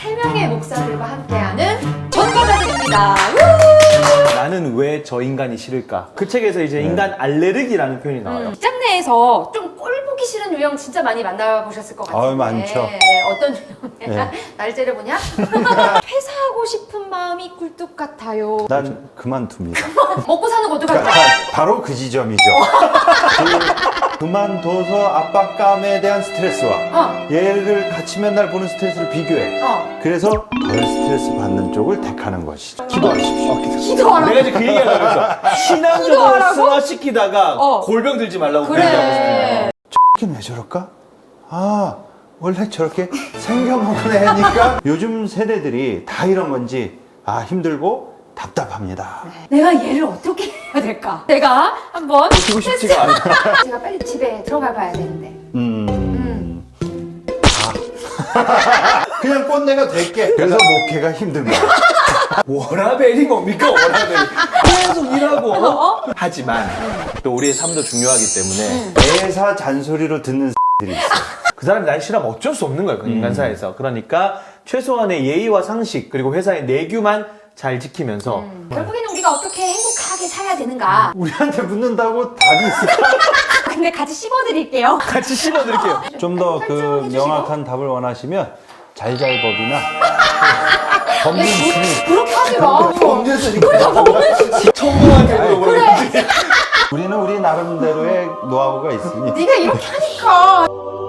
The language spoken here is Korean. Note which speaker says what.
Speaker 1: 3명의 목사들과 함께하는 전과자들입니다.
Speaker 2: 나는 왜 저 인간이 싫을까? 그 책에서 이제 인간 알레르기라는 표현이 나와요.
Speaker 1: 직장 내에서 좀 꼴 보기 싫은 유형 진짜 많이 만나보셨을 것 같은데.
Speaker 3: 많죠.
Speaker 1: 네, 어떤 유형?
Speaker 3: 네.
Speaker 1: 날 째려보냐? 퇴사하고 싶은 마음이 굴뚝 같아요.
Speaker 3: 난 그만둡니다.
Speaker 1: 먹고 사는 거 어떡할 거야?
Speaker 3: 바로 그 지점이죠. 그만둬서 압박감에 대한 스트레스와 얘를 같이 맨날 보는 스트레스를 비교해. 그래서 덜 스트레스 받는 쪽을 택하는 것이죠. 기도하십시오.
Speaker 1: 기도하라고.
Speaker 2: 내가 이제 그 얘기하려고 했어. 신앙적으로
Speaker 1: 기도하라고?
Speaker 2: 승화시키다가 골병 들지 말라고 그 얘기하고 싶어요.
Speaker 1: 그래.
Speaker 3: 왜 저럴까? 원래 저렇게 생겨먹은 애니까 요즘 세대들이 다 이런 건지 힘들고 답답합니다.
Speaker 1: 내가 얘를 어떻게 해야 될까? 내가 한번
Speaker 2: 키고 싶지가 않아.
Speaker 1: 제가 빨리 집에 들어가 봐야 되는데.
Speaker 3: 그냥 꼰대가 될게. 그래서 목회가 힘듭니다.
Speaker 2: 워라벨이 뭡니까 워라벨. 계속 일하고. 하지만 또 우리의 삶도 중요하기 때문에
Speaker 3: 대사 잔소리로 듣는 들이 있어요.
Speaker 2: 그 사람이 날 싫어하면 어쩔 수 없는 거예요. 그 인간사에서. 그러니까 최소한의 예의와 상식 그리고 회사의 내규만 잘 지키면서
Speaker 1: 결국에는 우리가 어떻게 행복하게 살아야 되는가?
Speaker 3: 우리한테 묻는다고 답이 있을까?
Speaker 1: 근데 같이 씹어드릴게요.
Speaker 2: 같이 씹어드릴게요.
Speaker 3: 좀 더 그
Speaker 1: 설정해주시고.
Speaker 3: 명확한 답을 원하시면 잘잘법이나 법률심의
Speaker 1: 그렇게 하지 마.
Speaker 2: 청구한테 물어보는
Speaker 1: 그래.
Speaker 3: 우리는 우리 나름대로의 노하우가 있으니
Speaker 1: 네가 이렇게 하니까.